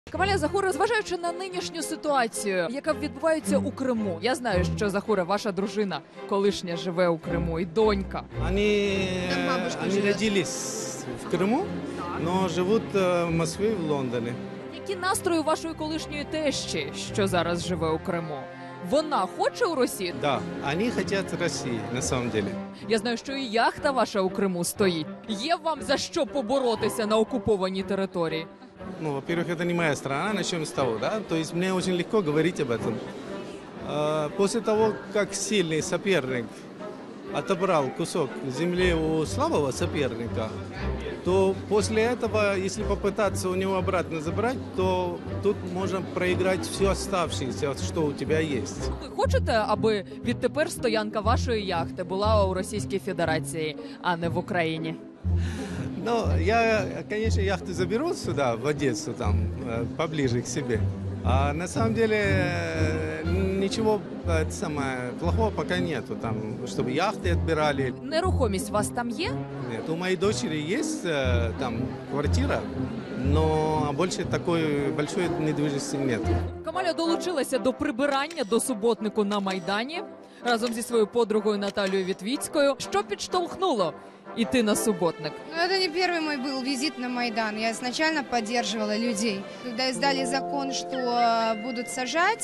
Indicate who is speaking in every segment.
Speaker 1: Камаля Захура, зважаючи на нинішню ситуацію, яка відбувається у Криму. Я знаю, що Захура, ваша дружина, колишня живе у Криму, і донька.
Speaker 2: Они родились в Крыму, но живут в Москве и в Лондоне.
Speaker 1: Які настрої вашої колишньої тещі, що зараз живе у Криму? Вона хоче у Росії?
Speaker 2: Да, они хотят России, на самом деле.
Speaker 1: Я знаю, що і яхта ваша у Криму стоїть. Є вам за що поборотися на окупованій території?
Speaker 2: Ну, во-первых, это не моя страна, начнем с того, да? То есть мне очень легко говорить об этом. После того, как сильный соперник отобрал кусок земли у слабого соперника, то после этого, если попытаться у него обратно забрать, то тут можно проиграть все оставшееся, что у тебя есть.
Speaker 1: Ви хочете, аби відтепер стоянка вашої яхти була у Російській Федерації, а не в Україні?
Speaker 2: Ну, я, конечно, яхту заберу сюда, в Одессу, там, поближе к себе. А на самом деле ничего плохого пока нету, там, чтобы яхты отбирали.
Speaker 1: Нерухомість у вас там є?
Speaker 2: Нет, у моей дочери есть там квартира, но больше такой большой недвижимости нет.
Speaker 1: Камаля долучилася до прибирання до суботнику на Майдані разом зі своєю подругою Наталією Вітвіцькою. Що підштовхнуло іти на суботник?
Speaker 3: Ну, это не первый мой был визит на Майдан. Я изначально поддерживала людей. Когда издали закон, что будут сажать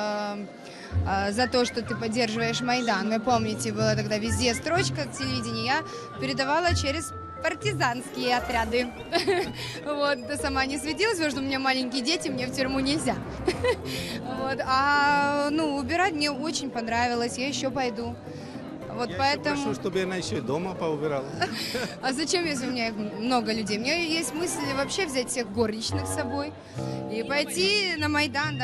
Speaker 3: за то, что ты поддерживаешь Майдан, вы помните, была тогда везде строчка в телевидении, я передавала через партизанские отряды. Вот, да сама не светилась, потому что у меня маленькие дети, мне в тюрьму нельзя. Вот, убирать мне очень понравилось, я еще пойду. Вот
Speaker 2: Я
Speaker 3: поэтому...
Speaker 2: прошу, чтобы она еще и дома поубирала.
Speaker 3: А зачем, если у меня много людей? У меня есть мысль вообще взять всех горничных с собой и пойти на Майдан. Да.